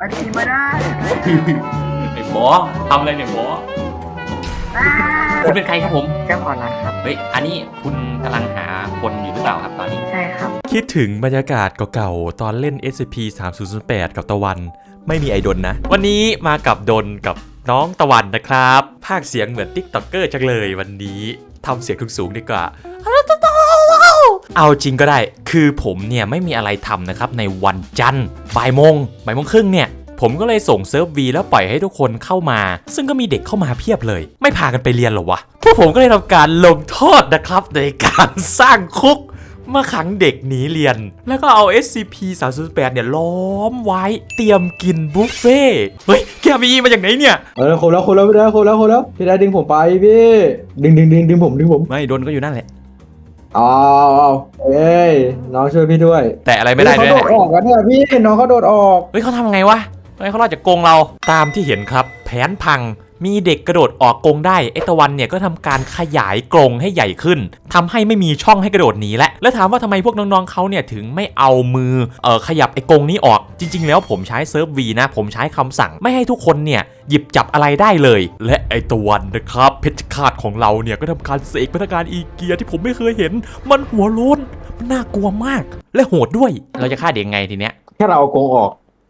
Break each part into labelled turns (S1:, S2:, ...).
S1: ไปทีมาได้
S2: ไอ้หมอทำอะไรเนี่ยหมอคุณเป็นใครครับผม
S1: เจ้าของร้านครับ
S2: เฮ้ยอันนี้คุณกำลังหาคนอยู่หรือเปล่าครับตอนนี้
S1: ใช่ครับ
S3: คิดถึงบรรยากาศเก่าๆ ตอนเล่น SCP-3008 กับตะวัน ไม่มีไอดนนะ วันนี้มากับดนกับน้องตะวันนะครับภาคเสียงเหมือนติ๊กต็อกเกอร์จังเลยวันนี้ทำเสียงสูงๆดีกว่า เอาจริงก็ได้ คือผมเนี่ยไม่มีอะไรทำนะครับในวันจันทร์บ่ายโมงครึ่งเนี่ย ผมก็เลยส่งเซิร์ฟวีแล้วปล่อยให้ทุกคนเข้ามา ซึ่งก็มีเด็กเข้ามาเพียบเลย ไม่พากันไปเรียนหรอวะ พวกผมก็เลยทำการลงโทษนะครับในการสร้างคุกมาขังเด็กหนีเรียน แล้วก็เอา SCP-3008 เนี่ยล้อมไว้เตรียมกินบุฟเฟ่ต์เฮ้ยแกมีมาจากไหนเนี่ย
S4: คนแล้วพี่ได้ดึงผมไปพี่ดึงผม
S3: ไม่โดนก็อยู่นั่นแหละ
S4: เอาเอ้ยน้องช่วยพี่ด้วย
S3: แต่อะไรไม่ได้ด้วย
S4: เขาโดดออกกันเนี่ยพี่น้องเขาโดดออก
S3: เฮ้ยเขาทำไงวะทำไมเขารอดจากกรงเราตามที่เห็นครับแผนพังมีเด็กกระโดดออกกรงได้ไอตะวันเนี่ยก็ทำการขยายกรงให้ใหญ่ขึ้นทำให้ไม่มีช่องให้กระโดดหนีแล้วถามว่าทำไมพวกน้องๆเขาเนี่ยถึงไม่เอามือขยับไอกรงนี้ออกจริงๆแล้วผมใช้เซิร์ฟวีนะผมใช้คำสั่งไม่ให้ทุกคนเนี่ยหยิบจับอะไรได้เลยและไอตะวันนะครับเพชรฆาตของเราเนี่ยก็ทำการเสกพนักงานอีเกียที่ผมไม่เคยเห็นมันหัวโล้นมันน่ากลัวมากและโหดด้วยเราจะฆ่าเด็กไงทีเนี้ย
S4: แค่เราเอากรงออก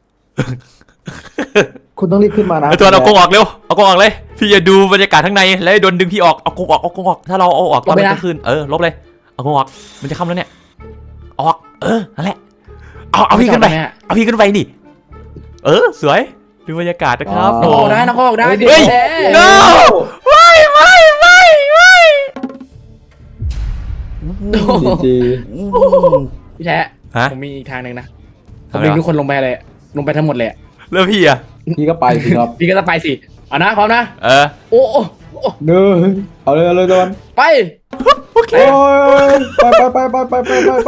S4: คุณต้องรีบขึ้นมานะ
S3: ไอตัวเอากรงออกเร็วเอากรงออกเลยพี่จะดูบรรยากาศข้างในแล้วโดนดึงพี่ออกเอากรงออกถ้าเราเอาออกตอนมันจะขึ้นลบเลยเอากรงออกมันจะค่ำแล้วเนี่ยออกนั่นแหละเอาพี่ขึ้นไปเอาพี่ขึ้นไปดิสวยดูบรรยากาศนะครับ
S1: น้องออกได้น้องออกได้
S3: เฮ้ย no ไม่
S4: จี
S1: พี่แท้
S3: ฮะ
S1: ผมมีอีกทางหนึ่งนะผมดึงทุกคนลงไปเลยลงไปทั้งหมดเลย
S3: แล้วพี่อะ
S4: พี่ก็ไปสิครับ
S1: พี่ก็จะไปสิเอานะพร้อมนะ โอ้
S4: หนึ่งเอาเลยตะวัน
S1: ไป
S3: โอเค
S4: โอ้ยไป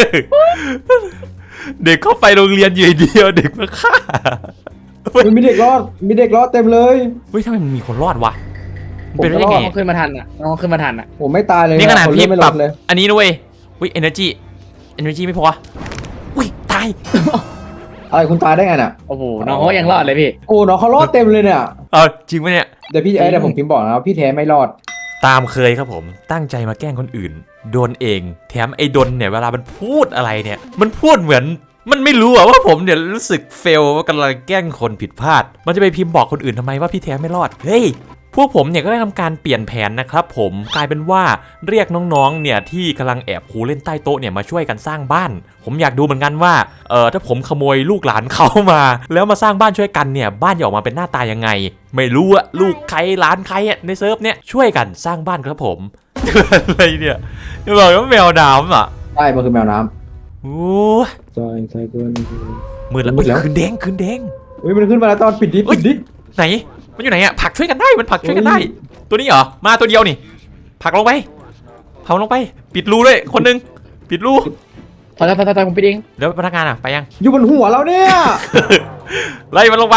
S3: เด็กเข้าไปโรงเรียนอยู่เดียวเด็กมาฆ่า
S4: มันมีเด็กรอดเต็มเลย
S3: เฮ้ยทำไมมันมีคนรอดวะมันเป็นไปได้ไง
S1: น้องขึ้นมาทันอ่ะน้องขึ้นมาทันอ่ะ
S4: ผมไม่ตายเลย
S3: นี่ขนาดพี่
S4: ไม่
S3: ป
S4: ล
S3: รับ
S4: ดเลย
S3: อันนี้ด้วยอุ้ย energy ไม่พออุ้ยตาย
S4: อะไรคุณตายได้ไงน่ะ
S1: โอ้โหน้องเขายังรอดเลยพี่
S4: โอ้น้องเขารอดเต็มเลยเนี่ย
S3: จริงไหมเนี่ย
S4: เดี๋ยวผมพิมพ์บอกนะพี่แท้ไม่รอด
S3: ตามเคยครับผมตั้งใจมาแกล้งคนอื่นโดนเองแถมไอ้ดนเนี่ยเวลามันพูดอะไรเนี่ยมันพูดเหมือนมันไม่รู้ว่าผมเนี่ยรู้สึกเฟลว่ากำลังแกล้งคนผิดพลาดมันจะไปพิมพ์บอกคนอื่นทำไมว่าพี่แท้ไม่รอดเฮ้ยพวกผมเนี่ยก็ได้ทำการเปลี่ยนแผนนะครับผมกลายเป็นว่าเรียกน้องๆเนี่ยที่กำลังแอบคูเล่นใต้โต๊ะเนี่ยมาช่วยกันสร้างบ้านผมอยากดูเหมือนกันว่าถ้าผมขโมยลูกหลานเขามาแล้วมาสร้างบ้านช่วยกันเนี่ยบ้านจะออกมาเป็นหน้าตายังไงไม่รู้อะลูกใครหลานใครอะในเซิร์ฟเนี่ยช่วยกันสร้างบ้านครับผมอะไรเนี่ยจะบอกว่าแมวน้ำอ่ะ
S4: ใช่มันคือแมวน้
S3: โอ้
S4: ำใช่เกิน
S3: มืดแล้วคืนแดง
S4: เฮ้ยมันขึ้นมาแล้วตอนปิดดิ
S3: ไหนมันอยู่ไหนอะผักช่วยกันได้มันผักช่วยกันได้ตัวนี้เหรอมาตัวเดียวนี่ผักลงไปปิดรูด้วยคนนึงปิดรู
S1: พอผมไปเอง
S3: แล้วพนักงานอะไปยัง
S4: อยู่บนหัวเราเนี่ย
S3: ไล่มันลงไป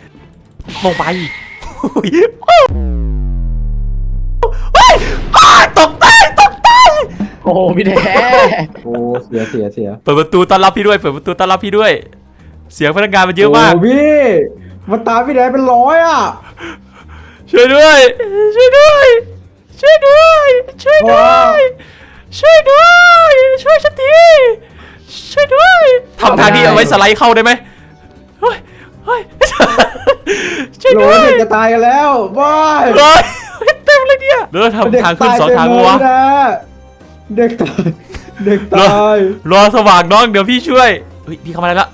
S3: ตกใจ
S1: โอ้โหพี่แท้
S4: โอ้เสีย
S3: เปิดประตูต้อนรับพี่ด้วยเสียงพนักงานมันเยอะมาก
S4: โอ้พี่มันตามพี่แท้เป็นร้อยอ่ะ
S3: ช่วยด้วยช่วยฉันทีช่วยด้วยทำทางที่เอาไว้สไลด์เข้าได้ไหมเฮ้ยช่วย
S4: โหล
S3: ด้วย
S4: เด็กจะตายกันแล้วว้าย
S3: เฮ้ยเต็มเลยเนี่ยแล้วทำทางขึ้นสองทางวะ
S4: เด็กตาย
S3: รอสว่างน้องเดี๋ยวพี่ช่วยเฮ้ยพี่เข้ามาได้แล้ว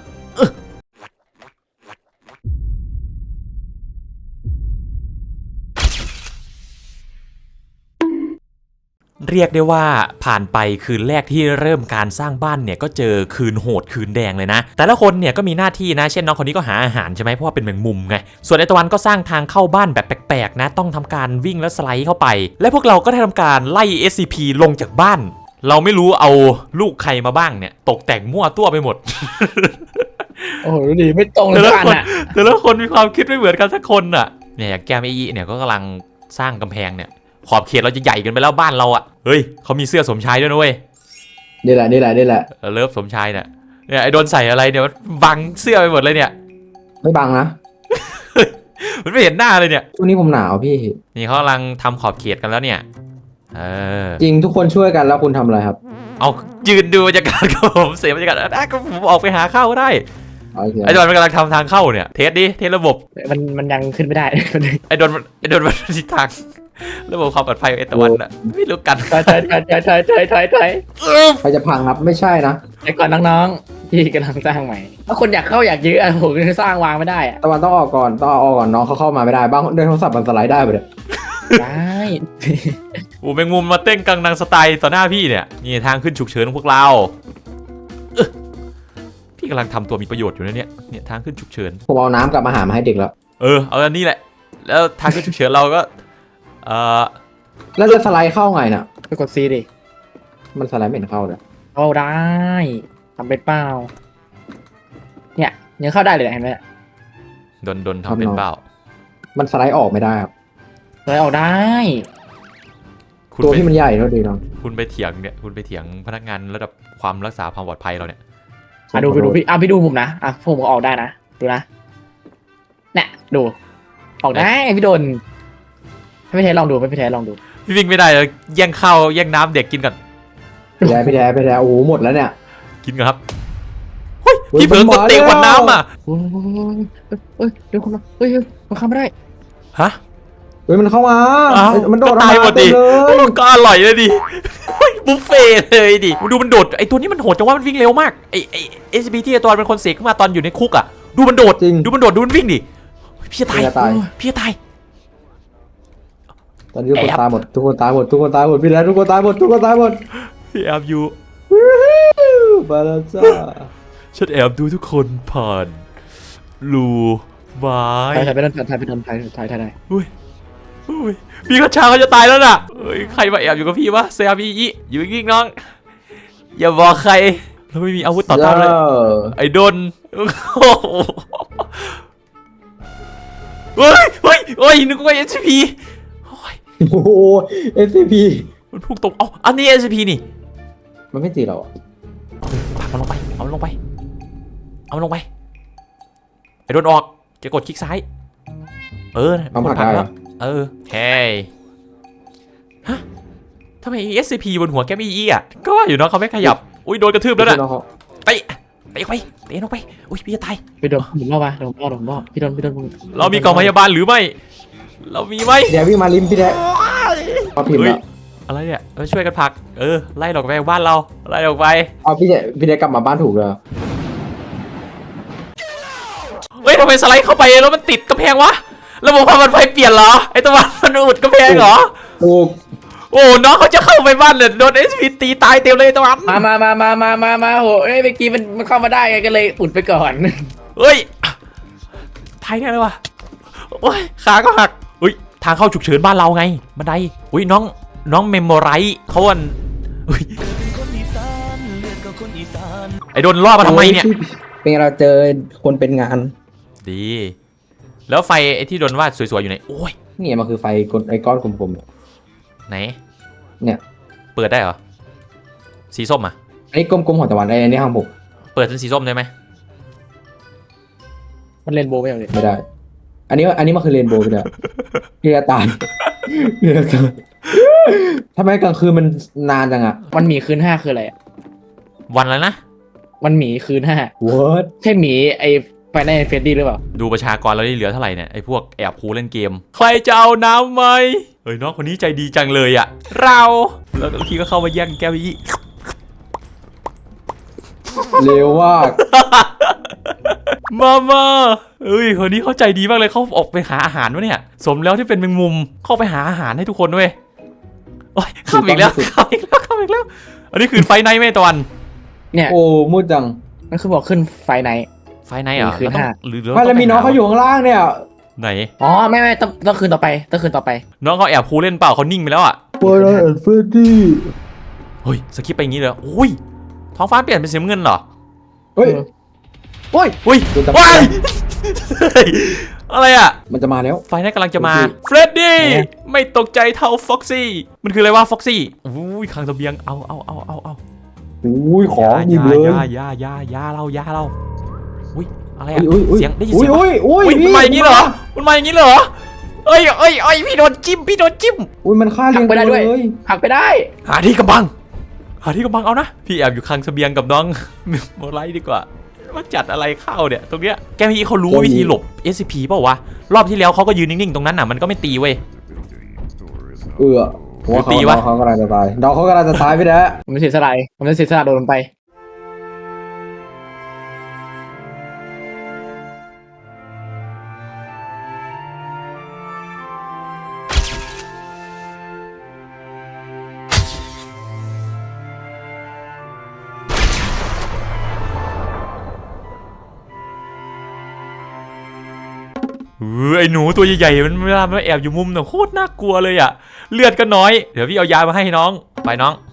S3: เรียกได้ว่าผ่านไปคืนแรกที่เริ่มการสร้างบ้านเนี่ยก็เจอคืนโหดคืนแดงเลยนะแต่ละคนเนี่ยก็มีหน้าที่นะเช่นน้องคนนี้ก็หาอาหารใช่ไหมเพราะว่าเป็นแมงมุมไงส่วนไอตะวันก็สร้างทางเข้าบ้านแบบแปลกๆนะต้องทำการวิ่งและสไลด์เข้าไปและพวกเราก็ได้ทำการไล่ SCP ลงจากบ้านเราไม่รู้เอาลูกใครมาบ้างเนี่ยตกแต่งมั่วตัวไปหมด
S1: โอ้โหดีไม่ตรงเลยกันอ่ะ
S3: แต่ละคนมีความคิดไม่เหมือนกันสักคนอ่ะเนี่ยอย่างแก้มไอ้เนี่ยก็กำลังสร้างกำแพงเนี่ยขอบเขตเราจะใหญ่เกินไปแล้วบ้านเราอ่ะเฮ้ยเขามีเสื้อสมชายด้วยนะเว้ย
S4: นี่แหละ
S3: เลิฟสมชายเนี่ยไอ้โดนใส่อะไรเนี่ยบังเสื้อไปหมดเลยเนี่ย
S4: ไม่บังนะ
S3: มันไม่เห็นหน้าเลยเนี่ย
S4: ช่วงนี้ผมหนาวพี่
S3: นี่เขากำลังทำขอบเขตกันแล้วเนี่ย
S4: จริงทุกคนช่วยกันแล้วคุณทำอะไรครับ
S3: เอายืนดูบรรยากาศกับผมเสียบรรยากาศก็ผมออกไปหาเข้าก็ได้
S4: โอเค
S3: ไอ้โดนมันกำลังทำทางเข้าเนี่ยเทสดิเทสระบบ
S1: มันยังขึ้นไม่ได้
S3: ไอ้โดนมันทิศทางระบบความปลอดภัยของเอตวันอะไม่รู้กัน
S1: ถอย
S4: ใครจะพังครับไม่ใช่นะ
S1: ไอ้ก่อนน้องๆที่กำลังสร้างใหม่ถ้าคนอยากเข้าอยากยื้ออะผมจะสร้างวางไม่ได้อะ
S4: ตะวันต้องออกก่อนน้องเขาเข้ามาไม่ได้บ้างด้วยโทรศัพท์มันสไลด์ได้ไปเลย
S1: ได้
S3: โอ้แมงมุมมาเต้นกังนังสไตล์ต่อหน้าพี่เนี่ยนี่ทางขึ้นฉุกเฉินของพวกเราพี่กำลังทำตัวมีประโยชน์อยู่นะเนี่ยทางขึ้นฉุกเฉิน
S4: ผมเอาน้ำกับอาหารมาให้เด็กแล้ว
S3: เอาอันนี้แหละแล้วทางขึ้นฉุกเฉินเราก็
S4: แล้วจะสไลด์เข้าไงน่ะ
S1: ไปกดซีดิ
S4: มันสไลด์ไม่เห็นเข้าเลย
S1: เข้าได้ทำเป็นเปล่าเนี่ยยังเข้าได้เลยเห็นไหม
S3: ดนทำเป็นเปล่า
S4: มันสไลด์ออกไม่ได้ครับ
S1: เลยออกได้
S4: ตัวที่มันใหญ่เท่าดีน้อง
S3: คุณไปเถียงพนักงานระดับความรักษาความปลอดภัยเราเนี่ย
S1: ดูพี่ดูผมนะผมก็ออกได้นะดูนะเนี่ยดูออกได้พี่โดนให้พี่แท้ลองดูพี่แท้ลองดู
S3: พี่วิ่งไม่ได้เลยแย่งข้าวแย่งน้ำเด็กกินก่อน
S4: พี่แท้โอ้โหหมดแล้วเนี่ย
S3: กินก่อนครับเฮ้ยพี่เผลอกดเตะขวดน้ำอ่ะ
S1: เดี๋ยวคนมามันเข้าไม่ได้
S3: ฮะ
S4: มันเข้ามามันโดด
S3: ตายหมดดิ
S4: เลย
S3: ก็อร่อยเลยดิบุฟเฟ่เลยดิดูมันโดดไอตัวนี้มันโหดจังว่ามันวิ่งเร็วมากไอSCP ที่ตอนเป็นคนเสกขึ้นมาตอนอยู่ในคุกอ่ะดูมันโดดดูมันวิ่งดิพี่จะตายพี่จะตาย
S4: ตอนนี้ทุกคนตายหมดพี่แล้วทุกคนตายหมด
S3: พี่แอบอยู่
S4: ไปแล้วจ้า
S3: ฉันแอบดูทุกคนผ่านรูไม้
S1: ถ่ายไปโดนถ่ายได้
S3: อุ้ยพี่กระชาเขาจะตายแล้วน่ะใครมาแอบอยู่กับพี่วะเซียพี่อยู่ยิ่งน้องอย่าบอกใครเราไม่มีอาวุธต่อต้านเลยไอ้โดนเฮ้ยนึกว่า SCP
S4: โอ้โห SCP
S3: มันพุ่งตรงอันนี้ SCP นี่
S4: มันไม่ตีเรา
S3: ผลักมันลงไปเอามันลงไปไอ้โดนออกจะกดคลิกซ้าย
S4: เอาผลักได้
S3: แล้วเฮ้ยฮะทำไม SCP บนหัวแกไม่อี้อ่ะก็ว่าอยู่เนาะเขาไม่ขยับอุ้ยโดนกระทืบแล้วน่ะเตะลงไปอุ้ยพี่จะตาย
S1: ไปโดนผมล่อมาโดนพี่โดน
S3: เรามีกองพยาบาลหรือไม่เรามีไหม
S4: เดี๋ยววิ่งมาริมพี่แท้มาพิมพ์แล้ว
S3: อะไรเนี่ยช่วยกันผลักไล่ออกไปบ้านเราไล่ออกไป
S4: เอาพี่แท้กลับมาบ้านถูกเลย
S3: เฮ้ยทำไมสไลด์เข้าไปแล้วมันติดกระแพงวะระบบความปลอดภัยเปลี่ยนเหรอไอ้ตะวันมันอุดกระแพงเหรอ
S4: ถูก
S3: โอ้น้องเขาจะเข้าไปบ้านเลยโดน SCP ตีตายเต็มเลยตะวัน
S1: มาโหเมื่อกี้มันเข้ามาได้ไงก็เลยอุดไปก่อน
S3: เฮ้ยตายแน่เลยวะโอ้ยขาก็หักอุ้ยทางเข้าฉุกเฉินบ้านเราไงบันไดอุ้ยน้องเมมโมไรเขาอันไอ้โดนล่อมาทำไมเนี่ย
S4: เป็นเราเจอคนเป็นงาน
S3: ดีแล้วไฟไอ้ที่โดนวาดสวยๆอยู่ไหนโอ้ย
S4: นี่มันคือไฟไอ้ก้อนกลม
S3: ๆไหน
S4: เนี่ย
S3: เปิดได้เหรอสีส้มอ่ะ
S4: อันนี้กลมๆของตะวันไอ้นี่ห้างผม
S3: เปิดเป็นสีส้มได้ไหม
S1: มันเรนโบว์
S4: ไม่ได้อันนี้มันคือเรนโบว์ไปเลยพี่ตายทำไมกลางคืนมันนานจังอ่ะ
S1: มันหมีคืน5คืออะไร
S3: วันแล้วนะ
S1: มันหมีคืน5
S4: What
S1: ใช่หมีไอไฟในเฟดดี้หรือเปล่า
S3: ดูประชากรเราได้เหลือเท่าไหร่เนี่ยไอพวกแอบคูเล่นเกมใครจะเอาน้ำไหมเฮ้ยน้องคนนี้ใจดีจังเลยอ่ะแล้วพี่ก็เข้ามาแย่งแก้วพี่
S4: เร็วมาก
S3: มาเอ้ยคนนี้เขาใจดีมากเลยเขาออกไปหาอาหารวะเนี่ยสมแล้วที่เป็นแมงมุมเข้าไปหาอาหารให้ทุกคนด้วยโอ้ยข้ามอีกแล้วอันนี้คือไฟไนท์ไหมตะวัน
S1: เนี่ย
S4: โอ้มืดจัง
S1: นั่นคือบอกขึ้นไฟไนท์
S3: เหรอ
S1: คืน
S3: หรือ
S4: ไม่แล้วมีน้องเขาอยู่ข้างล่างเนี่ย
S3: ไหน
S1: อ๋อไม่ต้องคืนต่อไป
S3: น้องเขาแอบคูเล่นเปล่าเขานิ่งไปแล้วอ่ะ
S4: เฟรดดี้
S3: เฮ้ยสกิปไปอย่างนี้เลยอุ้ยท้องฟ้าเปลี่ยนเป็นสีน้ำเงินเหรอ
S4: เฮ้ย
S3: อะไรอ่ะ
S4: มันจะมาแล้ว
S3: ไฟนั่นกำลังจะมาเฟรดดี้ไม่ตกใจเท่าฟ็อกซี่มันคืออะไรวะฟ็อกซี่อุ้ยคลังเสบียงเอา
S4: อุ้ยของหยิบเลย
S3: ยาเราอุ้ยอะไรอะ
S4: อุ้ย
S3: เสียงได้ยินเสียง
S4: อุ้ย
S3: มันมาอย่างนี้เหรอมันมาอย่างนี้เหรอเอ้ยพี่โดนจิ้ม
S4: อุ้ยมันฆ่าเลี้ยงตัวเลย
S1: หักไปได้
S3: หาที่กำบังเอานะพี่แอบอยู่คลังเสบียงกับน้อง โมไลท์ดีกว่าว่าจัดอะไรเข้าเนี่ยตรงเนี้ยแกพี่เขารู้วิธีหลบ SCP เปล่าวะรอบที่แล้วเขาก็ยืนนิ่งๆตรงนั้นน่ะมันก็ไม่ตีเว้ย
S4: หัวเขา
S3: ตีวะ
S4: น้องเขากำลังจะตายน้องเขากำลังจะตายพี่แด้
S1: ผมจะเสียสละผมจะเสียสละโดนมันไป
S3: ไอ้หนูตัวใหญ่ๆมันเวลามันแอบอยู่มุมเนี่ยโคตรน่ากลัวเลยอ่ะเลือดก็น้อยเดี๋ยวพี่เอายามาให้น้องไปน้อง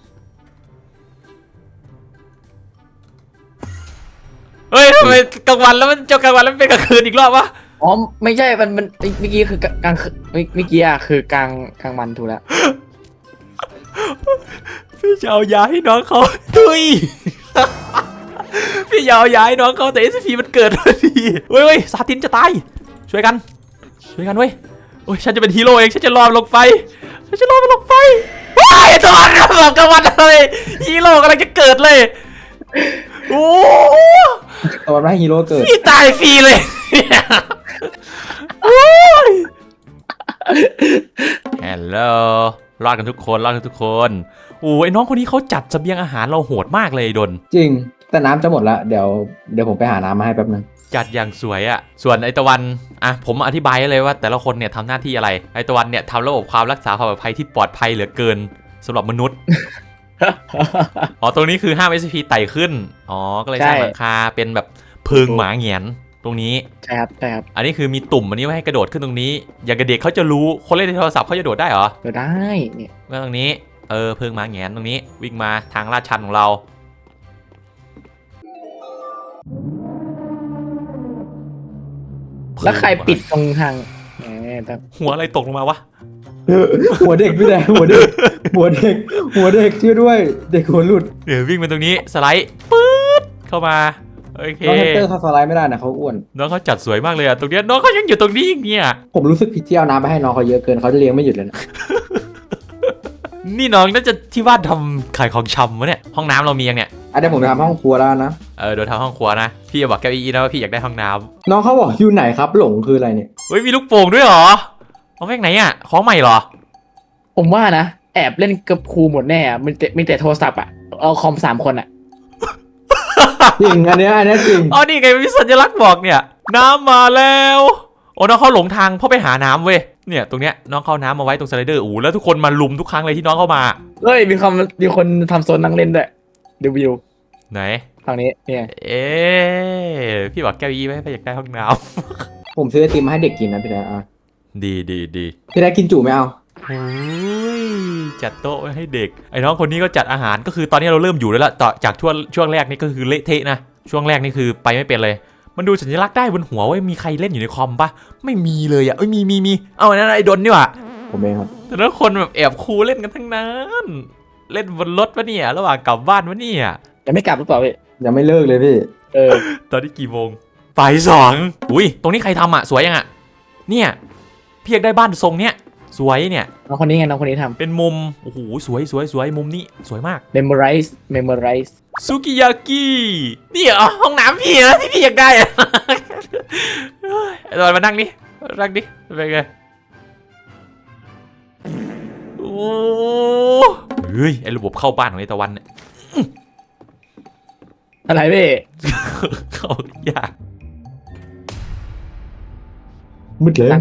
S3: เฮ้ยทำไมกลางวันแล้วมันกลางวันแล้วมันเป็นกลางคืนอีกรอบวะ
S1: อ๋อไม่ใช่มันเมื่อกี้คือกลางเมื่อกี้อะคือกลางวันถูกแล้ว
S3: พี่จะเอายาให้น้องเขาตุย พี่จะเอายาให้น้องเขาแต่ SCP มันเกิดพอดีเว้ยซาตินจะตายช่วยกันเว้ยโอ้ยฉันจะเป็นฮีโร่เองฉันจะรอมันลงไปว้ายตัวมันบอกกลางวันเลยฮีโร่กำลังจะเกิดเลยโอ้
S4: ตอนนั้นฮีโร่เกิด
S3: พี่ตายฟรีเลยฮัลโหลรอดกันทุกคนโอ้ยน้องคนนี้เขาจัดเสบียงอาหารเราโหดมากเลยดน
S4: จริงแต่น้ำจะหมดแล้วเดี๋ยวผมไปหาน้ำมาให้แป๊บนึง
S3: จัดอย่างสวยอะส่วนไอตะวันอ่ะผมอธิบายเลยว่าแต่ละคนเนี่ยทำหน้าที่อะไรไอตะวันเนี่ยทำระบบความรักษาความปลอดภัยที่ปลอดภัยเหลือเกินสำหรับมนุษย์ อ๋อตรงนี้คือห้าม SCP ไต่ขึ้นอ๋อก็เลยสร้างหลังคาเป็นแบบเพิงหมาเหงียนตรงนี้
S1: ใช่ครับ
S3: อันนี้คือมีตุ่มอันนี้ไว้ให้กระโดดขึ้นตรงนี้อย่างกับเด็กเขาจะรู้คนเล่นในโทรศัพท์เขาจะโดดได้เหรอ
S1: ก็ได้เนี่ย
S3: ก็ตรงนี้เพิงหมาเหงียนตรงนี้วิ่งมาทางลาดชันของเรา
S1: แล้วใครปิดตรงทางแต่
S3: หัวอะไรตกลงมาวะ
S4: หัวเด็กพี่แดงหัวเด็กช่วยด้วยเด็กหัวหลุด
S3: เดี๋ยววิ่งมาตรงนี้สไลด์ปื๊ดเข้ามาโอเค
S4: น้องแฮมสเตอร์เขาสไลด์ไม่ได้นะเขาอ้วน
S3: น้องเขาจัดสวยมากเลยอะตรงเนี้ยน้องเขายังอยู่ตรงนี้อีกเนี่ย
S4: ผมรู้สึกผิดที่เอาน้ำไปให้น้องเขาเยอะเกินเขาจะเลี้ยงไม่หยุดเลยนะ
S3: นี่น้องน่าจะที่บ้านทำขายของชำวะเนี่ยห้องน้ำเรามียังเนี่ย
S4: เดี๋ยวผมไปทำห้องครัวแล้วนะ
S3: เดี๋ยวทำห้องครัวนะพี่จะบอกแกอีนะว่าพี่อยากได้ห้องน้
S4: น้องเขาบอกอยู่ไหนครับหลงคืออะไรเนี่ย
S3: ำเฮ้ยมีลูกโป่งด้วยเหรอเอาแม่งไหนอะของใหม่เหรอ
S1: ผมว่านะแอบเล่นกับครูหมดแน่อะมีแต่โทรศัพท์อะเอาคอม3 คนอะ
S4: จริงอันเนี้ยจริง
S3: อ๋อนี่ไงมีสัญลักษณ์บอกเนี่ยน้ำมาแล้วโอ้น้องเขาหลงทางเพราะไปหาน้ำเว้ยเนี่ยตรงเนี้ยน้องเข้าน้ำมาไว้ตรงสไลเดอร์แล้วทุกคนมาลุมทุกครั้งเลยที่น้องเข้ามา
S1: เฮ้ยมีคนทำโซนนั่งเล่นด้วยดูวิว
S3: ไหน
S1: ฝั่งนี้เนี่ย
S3: พี่บอกแก้วอีไหมพี่อยากได้ห้องน้
S4: ผมซื้อไอติมมาให้เด็กกินนะพี่แดง
S3: ำดี
S4: พี่แดงกินจุไม่เอา
S3: โอ้ยจัดโต๊ะไว้ให้เด็กไอ้น้องคนนี้ก็จัดอาหารก็คือตอนนี้เราเริ่มอยู่แล้วล่ะต่อจากช่วงแรกนี่ก็คือเละเทะนะช่วงแรกนี่คือไปไม่เป็นเลยมันดูสัญลักษณ์ได้บนหัวว่ามีใครเล่นอยู่ในคอมปะไม่มีเลยอ่ะมีเอาอันนั้นไอ้ดนนี่หว่า
S4: ผมเองครับ
S3: แต่ละคนแบบแอบคูเล่นกันทั้งนั้นเล่นบนรถวะเนี่ยระหว่างกลับบ้านวะเนี่ย
S1: ยังไม่กลับหรือเปล่าพี่
S4: ยังไม่เลิกเลยพี่
S3: ตอนนี้กี่โมงบ่าย2อุ้ยตรงนี้ใครทำอ่ะสวยยังอ่ะเนี่ยพี่อยากได้บ้านทรงเนี้ยสวยเนี่ย
S1: น้องคนนี้ไงน้องคนนี้ทำ
S3: เป็นมุมโอ้โหสวยมุมนี้สวยมาก
S1: memorize
S3: ซุกิยากินี่เหรอห้องน้ำพี่นะที่พี่อยากได้อะไอ้ตอนมานั่งดิเป็นไงโอ้เฮ้ยไอ้ระบบเข้าบ้านของไอ้ตะวันเนี่ย
S1: อะไรพี่
S3: เข้ายาก
S4: มืดเลย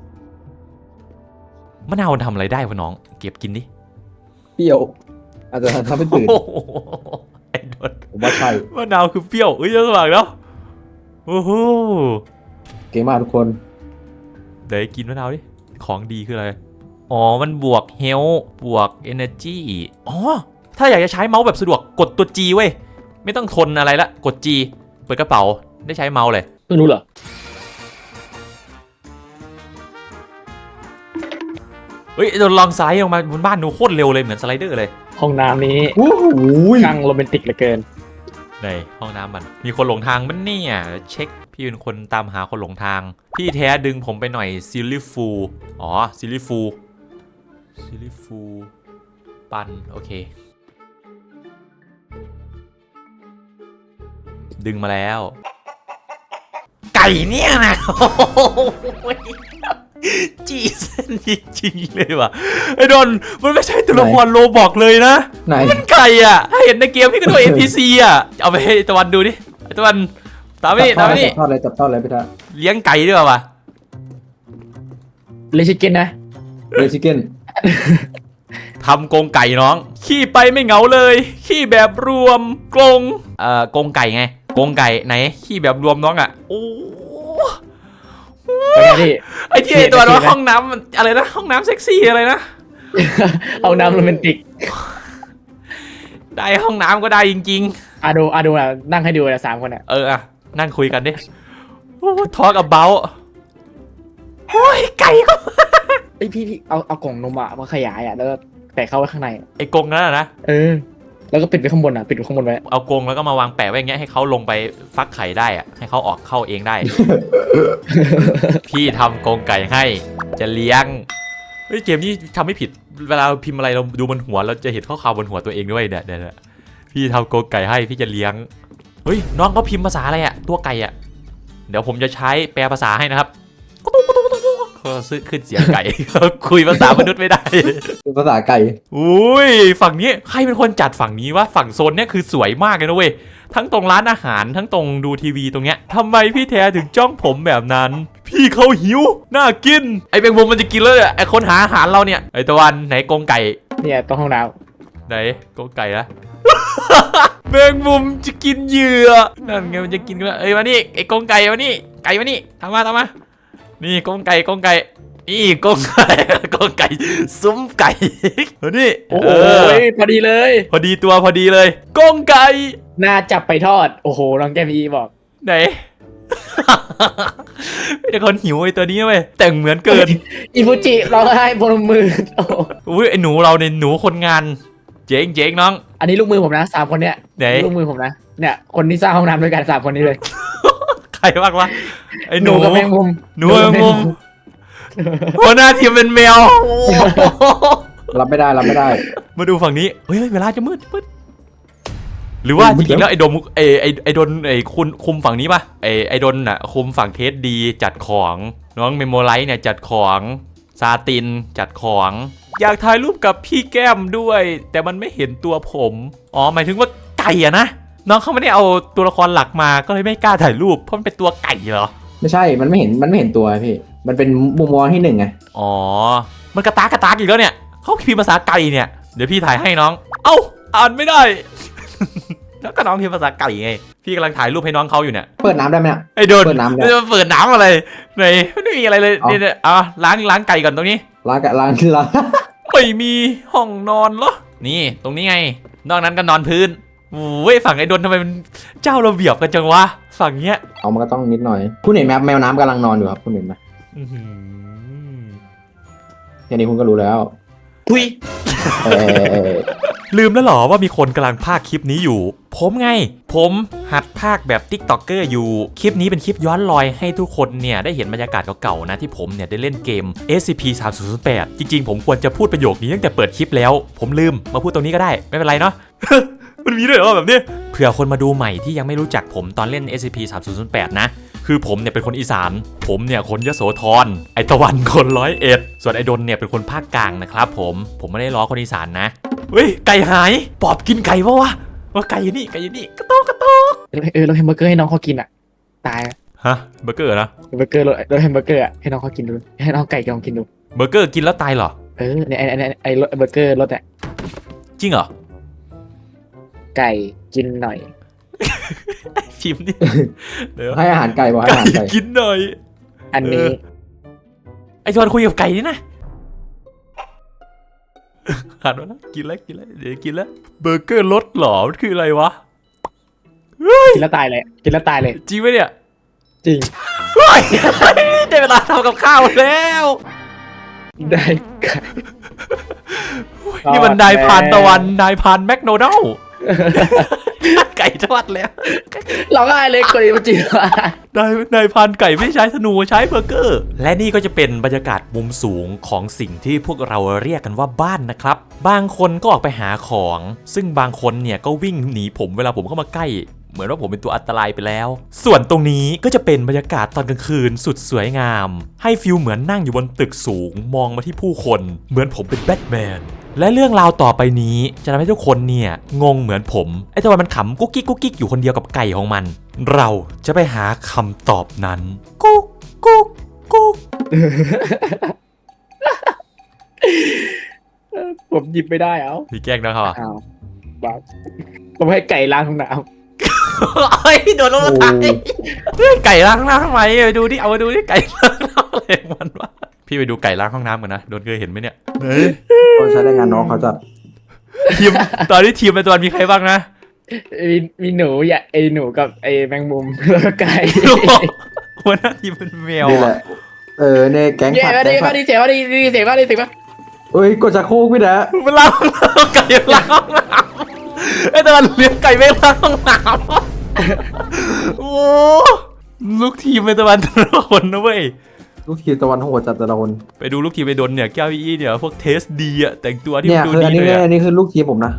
S3: มะนาวมันทำอะไรได้วะน้องเก็บกินดิ
S4: เปรี้ยวอาจจะทำให้ตื่น
S3: โอ้โหไอ้โดน
S4: ผมว่าใช่
S3: มะนาวคือเปรี้ยวจะสว่างแล้วโอ้โห
S4: เก่งมากทุกคน
S3: เดี๋ยวกินมะนาวดิของดีคืออะไรอ๋อมันบวกเฮลบวก energy อ๋อถ้าอยากจะใช้เมาส์แบบสะดวกกดตัว G เว้ยไม่ต้องทนอะไรละกด G เปิดกระเป๋าได้ใช้เมาส์เลย
S1: ไม่รู้เหรอ
S3: เฮ้ยเราลองสไลด์ลงมาบนบ้านดูโคตรเร็วเลยเหมือนสไลเดอร์เลย
S1: ห้องน้ำนี้
S4: โอ้โห
S1: ช่างโรแมนติกเหลือเกิน
S3: ในห้องน้ำมันมีคนหลงทางมันเนี่ยเช็คพี่เป็นคนตามหาคนหลงทางพี่แท้ดึงผมไปหน่อยซิลลี่ฟูอ๋อซิลลี่ฟูปันโอเคดึงมาแล้วไก่เนี่ยนะจีเส้นจริงๆเลยว่ะไอ้ดนมันไม่ใช่ตัวละครโลบอกเลยนะ
S4: ไหน
S3: มันไก่อ่ะถ้าเห็นในเกมพี่ก็โดน NPC อ่ะเอาไปให้ตะวันดูดิไอ้ตะวันตามนี่
S4: จับทอดเลยพี่ท่า
S3: เลี้ยงไก่ด้วยวะ
S1: เลชิเก้นนะ
S4: เลชิเก้น
S3: ทำกรงไก่น้องขี้ไปไม่เหงาเลยขี้แบบรวมกรงกรงไก่ไงกรงไก่ไหนขี้แบบรวมน้องอ่ะโอ้
S1: เป็นไงพี่
S3: ไอ้ที่ไอ้ตัวว่าห้องน้ำอะไรนะห้องน้ำเซ็กซี่อะไรนะ
S1: เอาน้ำโรแมนติก
S3: ได้ห้องน้ำก็ได้จริง
S1: ดูนะนั่งให้ดูนะ3 คนอ่ะ
S3: ๆอะนั่งคุยกันดิโอ้ทอล์กabout โอ้ยไก่ก็
S1: ไอพี่เอากล่องนมอ่ะมาขยายอ่ะแล้วก็แปะเข้าไว้ข้างใน
S3: ไอ้กรงนั่นนะ
S1: แล้วก็ปิดไว้ข้างบนอ่ะปิดไว้ข้างบนไว้
S3: เอากรงแล้วก็มาวางแปะไว้อย่างเงี้ยให้เขาลงไปฟักไข่ได้อะให้เขาออกเข้าเองได้ พี่ทำกรงไก่ให้จะเลี้ยงเฮ้ยเกมนี้ทำไม่ผิดเวลาพิมพ์อะไรเราดูบนหัวเราจะเห็นข้อความบนหัวตัวเองด้วยเนี่ยพี่ทำกรงไก่ให้พี่จะเลี้ยงเฮ้ยน้องเขาพิมพ์ภาษาอะไรอะตัวไก่อะเดี๋ยวผมจะใช้แปลภาษาให้นะครับเขาซื้อขึ้นเสียงไก่ คุยภาษามนุษย์ไม่ได้
S4: ภาษาไก่
S3: อุ้ยฝั่งนี้ใครเป็นคนจัดฝั่งนี้วะฝั่งโซนเนี้ยคือสวยมากเลยนะเว้ยทั้งตรงร้านอาหารทั้งตรงดูทีวีตรงเนี้ยทำไมพี่แท้ถึงจ้องผมแบบนั้น พี่เขาหิวน่ากินไอแมงมุมมันจะกินแล้วเนี่ยไอคนหาอาหารเราเนี่ยไอตะวันไหนกรงไก่
S1: เนี่ยตรงห้องน้
S3: ไหนกรงไก่นะ แมงมุมจะกินเหยื่อนั่นไงมันจะกินกันแล้วเอ้ยมานี่ไอกรงไก่มานี่ไก่มานี่ทำมานี่กรงไก่นี่กรงไก่ซุ้มไก่มานี่
S1: ำโอ้โหพอดีเลย
S3: พอดีตัวพอดีเลยกรงไก่
S1: น่าจับไปทอดโอ้โหน้องแก้มอีบอก
S3: ไหน ไม่ได้คนหิวไอ้ตัวนี้เว้ยแต่งเหมือนเกิน
S1: อิฟูจิร้องไห้บนมือโอ้
S3: อุ้ยไอ้หนูเราเนี่ยหนูคนงานเจ๊งน้อง
S1: อันนี้ลูกมือผมนะ3 คนเนี้ย
S3: ไหน
S1: ลูกมือผมนะเนี่ยคนที่สร้างห้องน้ำด้วยกัน3 คนนี้เลย
S3: ใครบ้างวะไอ้
S1: ห
S3: ห
S1: นู
S3: นู
S1: กับแมงมุม
S3: หนูแมงมุมหัวหน้าทีมเป็นแมว
S4: รับไม่ได้
S3: มาดูฝั่งนี้เฮ้ยเวลาจะมืดหรือว่าจริงๆแล้วไอ้ดมไอ้ดนไอ้คุณคุมฝั่งนี้ป่ะไอ้ดนน่ะคุมฝั่งเทสดีจัดของน้องเมโมไลท์เนี่ยจัดของซาตินจัดของอยากถ่ายรูปกับพี่แก้มด้วย แต่มันไม่เห็นตัวผมอ๋อหมายถึงว่าไก่อะนะน้องเขาไม่ได้เอาตัวละครหลักมาก็เลยไม่กล้าถ่ายรูปเพราะมันเป็นตัวไก่เหรอ
S4: ไม่ใช่มันไม่เห็นตัวพี่มันเป็นมุมมองที่1ไง
S3: อ๋อมันกระตากอีกแล้วเนี่ยเขาพิมพ์ภาษาไก่เนี่ยเดี๋ยวพี่ถ่ายให้น้องเอ้าอ่านไม่ได้ แล้วก็น้องพิมพ์ภาษาไก่ไงพี่กำลังถ่ายรูปให้น้องเขาอยู่เนี่ย
S4: เปิดน้ำได้ไหมเนี่ย
S3: ไอ้โดน
S4: เปิดน้ำได้
S3: เปิดน้ำอะไรไหนไม่มีอะไรเลยเนี่ยล้างไก่ก่อนตรงนี้
S4: ล้าง
S3: ไม่มีห้องนอนเหรอนี่ตรงนี้ไงนอกนั้นก็นอนพื้นโอ้ยฝั่งไอ้โดนทำไมมันเจ้าระเบียบกันจังวะฝั่งเนี้ย
S4: เอามันก็ต้องนิดหน่อยคุณเห็นไหมแมวน้ำกำลังนอนอยู่ครับคุณเห็นไหม
S3: อื้อหือ
S4: แค่นี้คุณก็รู้แล้ว
S1: คุย
S4: เออ
S3: ลืมแล้วเหรอว่ามีคนกำลังพากย์คลิปนี้อยู่ผมไงผมหัดพากย์แบบ TikToker อยู่คลิปนี้เป็นคลิปย้อนรอยให้ทุกคนเนี่ยได้เห็นบรรยากาศเก่าๆนะที่ผมเนี่ยได้เล่นเกม SCP-3008 จริงๆผมควรจะพูดประโยคนี้ตั้งแต่เปิดคลิปแล้วผมลืมมาพูดตรงนี้ก็ได้ไม่เป็นไรเนาะ มันมีด้วยเหรอแบบนี้เผื่อคนมาดูใหม่ที่ยังไม่รู้จักผมตอนเล่น SCP-3008 นะคือผมเนี่ยเป็นคนอีสานผมเนี่ยคนยโสธรไอตะวันคน101ส่วนไอดนเนี่ยเป็นคนภาคกลางนะครับผมไม่ได้ล้อคนอีสานนะเฮ้ยไก่หายปอบกินไก่ปะวะว่าไก่อยู่นี่กระโตก
S1: เราแฮมเบอร์เกอร์ให้น้องเขากินอ่ะตาย
S3: ฮะเบอร์เกอร์นะ
S1: เบอร์เกอร์รสแฮมเบอร์เกอร์อ่ะให้น้องเขากินดูให้น้องไก่ลองกินดู
S3: เบอร์เกอร์กินแล้วตายเหรอ
S1: เนี่ยไอ้รสเบอร์เกอร์รสอ่ะ
S3: จริงเหรอ
S1: ไก่กินหน่อย
S3: ชิมดิเดี๋ยว
S4: ให้อาหารไก่บอกให้อาหารไก่
S3: กินหน่อย
S1: อันนี้
S3: ไอชวนคุยกับไก่นี่นะหันมาแล้วกินแล้วเดี๋ยวกินแล้วเบอร์เกอร์รสหรอมันคืออะไรวะ
S1: กินแล้วตายเลยกินแล้วตายเลย
S3: จริงไหมเนี่ย
S1: จริง
S3: เฮ้ยได้เวลาทำกับข้าวแล้ว
S1: ได้ไก่
S3: นี่มันนายพรานตะวันนายพรานแมคโดนัลด์ไก่ทอดแล้ว
S1: เราง่ายเลยคนนี้มันจริงว่ะ
S3: นายพันไก่ไม่ใช้ธนูใช้เบอร์เกอร์และนี่ก็จะเป็นบรรยากาศมุมสูงของสิ่งที่พวกเราเรียกกันว่าบ้านนะครับบางคนก็ออกไปหาของซึ่งบางคนเนี่ยก็วิ่งหนีผมเวลาผมเข้ามาใกล้เหมือนว่าผมเป็นตัวอันตรายไปแล้วส่วนตรงนี้ก็จะเป็นบรรยากาศตอนกลางคืนสุดสวยงามให้ฟิลเหมือนนั่งอยู่บนตึกสูงมองมาที่ผู้คนเหมือนผมเป็นแบทแมนและเรื่องราวต่อไปนี้จะทำให้ทุกคนเนี่ยงงเหมือนผมไอ้ตะวันมันขำกุ๊กกิ๊กอยู่คนเดียวกับไก่ของมันเราจะไปหาคำตอบนั้นกุ๊กกุ๊กกุ๊ก
S1: ผมหยิบไม่ได้เอา
S3: พี่แกล้งนะครับ
S1: อ้าวบ้าผมให้ไก่ล้างห้องน้
S3: เฮ้ยโดนลงมาตายไก่ล้างห้องน้ำทำไมไปดูดิเอามาดูดิไก่ล้างห้องน้ำอะไรของมันวะพี่ไปดูไก่ล้างห้องน้ำกันนะโดนเคยเห็นไหมเนี่ย
S4: คนใช้แรงงานน้องเขาจัด
S3: ทีมตอนนี้ทีมในตัวมีใครบ้างนะ
S1: ำมีหนูอย่าไอหนูกับไอแมงมุมแล้วก็ไก่
S3: หัวหน้าทีมเป็นแมว
S4: นี่แหละเนี่ยแก๊ง
S1: เย้
S4: สัตว์
S1: มาดี
S4: แก๊งสั
S1: มา
S4: ตว์
S1: ดีเสียมาดีเสียมาดีเสียมา
S4: เอ้ยกดชักโครกพี่นะ
S3: มันล้างไก่ล้างห้องน้ำไอ้ตอนเลี้ยงไก่ไม่ล้างห้องน้ำโอ้ลูกทีมเป็นตะวันทุกคนนะเว้ย
S4: ลูกทีมตะวันโหดจัดแต่ละคน
S3: ไปดูลูกทีมไปโดนเนี่ยแก้วอี้เนี่ยพวกเทสดีอะแต่งตัวที่
S4: เนี่ย
S3: ดู
S4: คืออัน
S3: ดี
S4: นี้
S3: เลย
S4: อั
S3: อะ
S4: นนี้คือลูกทีมผมนะ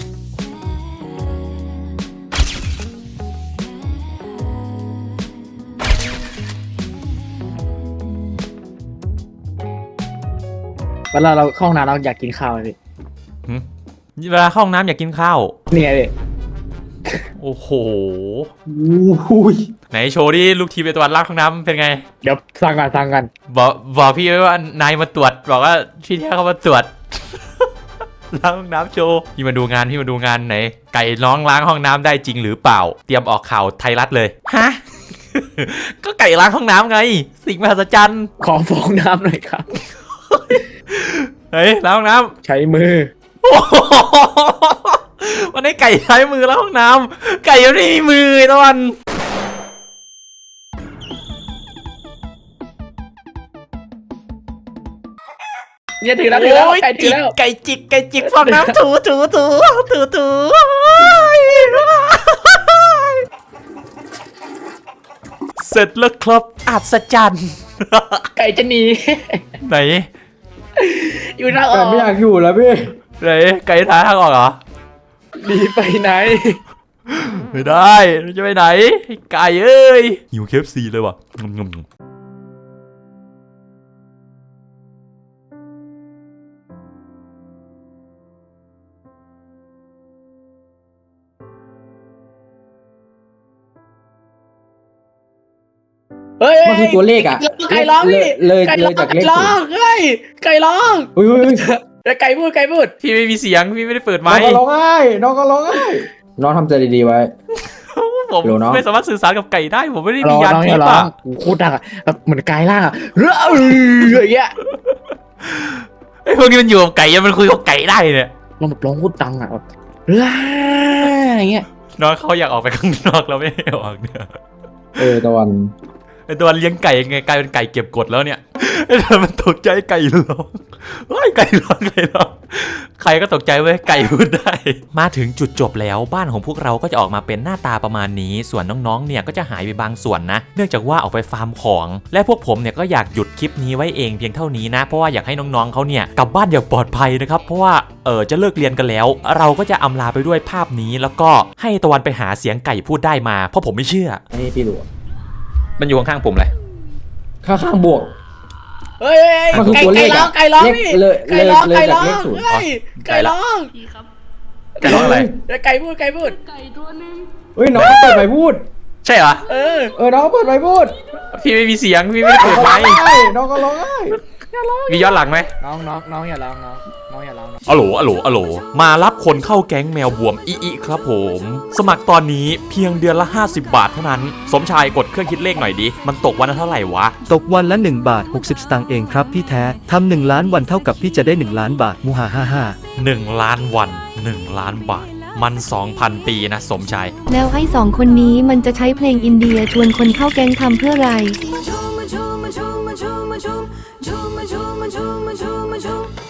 S1: เวลาเราเข้าห้องน้ำเราอยากกินข้าวเลย
S3: เวลาเข้าห้องน้ำอยากกินข้าว
S1: เนี่ยเลย
S3: โอ้โห
S4: อุ้ย
S3: ไหนโชว์ดิลูกทีมเป็นตะวันล้างห้องน้ำเป็นไง
S1: เดี๋ยวสั่งกัน
S3: บอกพี่ไว้ว่านายมาตรวจบอกว่าพี่แท้เขามาตรวจ ล้างห้องน้ำโชว์พี่มาดูงานไหนไก่น้องล้างห้องน้ำได้จริงหรือเปล่า เตรียมออกข่าวไทยรัฐเลยฮะ ก็ไก่ล้างห้องน้ำไง สิ่งมหัศจรรย์
S1: ขอฟองน้ำหน่อยครับ
S3: เฮ้ยล้างห้องน้ำ
S1: ใช้มือ
S3: วันนี้ไก่ใช้มือล้างห้องน้ำไก่ไม่มีมือตะวัน
S1: เนี่ยถือแล้วถือแล้ว
S3: โอ้ย
S1: ไก่ถือแล้ว
S3: ไก่จิกฟองน้ำถูเสร็จแล้วครับอัศจรรย์
S1: ไก่จะหนี
S3: ไหน
S1: อยู่ทางอ
S4: แต่
S1: อก
S4: ไม่อยากอยู่แล้วพี่
S3: ไหนไก่ท้าทางออกเหรอ
S1: หนีไปไหน
S3: ไม่ได้จะไปไหนไก่เอ้ยหิวเคฟซีเลยว่ะงม
S1: เฮ้ย
S4: มันคือตัวเลขอะ
S1: ไก่ร้องพี่
S4: เลย
S1: ไก่
S4: เลยจากเลข
S1: ร้องเฮ้ยไก่ร้อง
S4: อุ้ย
S1: แล้วไก่พูด
S3: พี่ไม่มีเสียงพี่ไม่ได้เปิดไม
S4: น้อง
S3: ค์
S4: ก็ร้องไห้น้องก็ร้องไห้น้องทำใจดีๆไว้
S3: ผม
S4: เดี๋ยวเนอะ
S3: ไม่สามารถสื่อสารกับไก่ได้ผมไม่ได้
S1: ร้
S3: มี
S1: อง
S3: ยาน
S1: น้อง
S3: ทิ
S1: อย่า
S3: พย์
S1: ร้อ
S3: อะ
S1: งโคตรดังอ่ะแบบเหมือนกายล่างอ่ะเรื่ออย่างเงี้ย
S3: ไอ้พวกนี้มันอยู่กับไก่ยังมันคุยกับไก่ได้เนี่ย
S1: ร้องแบบร้องโคตรดังอ่ะแบบเรื่ออย่างเงี้ย
S3: น้องเขาอยากออกไปข้างนอกแล้วไม่ให้ออกเนี่ย
S4: ตะวัน
S3: ไอตัวเลี้ยงไก่ยังไงกลายเป็นไก่เก็บกดแล้วเนี่ยไอตัวมันตกใจไก่ร้องเฮ้ยไก่ร้องใครก็ตกใจเว้ยไก่พูดได้ มาถึงจุดจบแล้วบ้านของพวกเราก็จะออกมาเป็นหน้าตาประมาณนี้ส่วนน้องๆเนี่ยก็จะหายไปบางส่วนนะเนื่องจากว่าออกไปฟาร์มของและพวกผมเนี่ยก็อยากหยุดคลิปนี้ไว้เองเพียงเท่านี้นะเพราะว่าอยากให้น้องๆเขาเนี่ยกลับบ้านอย่างปลอดภัยนะครับเพราะว่าจะเลิกเรียนกันแล้วเราก็จะอำลาไปด้วยภาพนี้แล้วก็ให้ตะวันไปหาเสียงไก่พูดได้มาเพราะผมไม่เชื่อ
S4: อันนี้พี่ดู
S3: มันอยู่ข้างๆผมเลย
S4: ข้างบวก
S1: เฮ้ย
S4: มันคือตัวเลขอะ
S1: ไก่ร้อง
S4: เลข
S1: พี่
S4: เลย
S1: ไก่ร้อง
S4: เลย
S1: ไก่
S4: จาก
S1: ร้อง
S4: เลขศูนย์
S1: เฮ้ยไก่ร้อง
S5: พี่ครับ
S3: ไก่ร้องอะไร
S1: แล้วไก่พูด
S5: ไก่ตัวหนึง
S4: เฮ้ยน้องเปิดไมค์พูด
S3: ใช่เหรอ
S4: น้องเปิดไมค์พูด
S3: พี่ไม่มีเสียงพี่ไม่ได้เปิดไมค์
S4: น้องก็ร้องไห้
S3: มีย้อนหลังไหม
S1: น้องอย่าร้องน้องอย่าร้อง
S3: อะโหลมารับคนเข้าแก๊งแมวบวมอีครับผมสมัครตอนนี้เพียงเดือนละ50 บาทเท่านั้นสมชายกดเครื่องคิดเลขหน่อยดิมันตกวันละเท่าไหร่วะ
S6: ตกวันละ1 บาท 60 สตางค์เองครับพี่แท้ทำ1 ล้านวันเท่ากับพี่จะได้1 ล้านบาทมูฮา
S3: 1 ล้านวัน1 ล้านบาทมัน 2,000 ปีนะสมชาย
S7: แล้วไอ้สองคนนี้มันจะใช้เพลงอินเดียชวนคนเข้าแก๊งทำเพื่ออะไร
S5: มาชุมมาชุมมาชุมมาชุมมาชุมชุมมาชุมมาชุมมาชุมมาชุม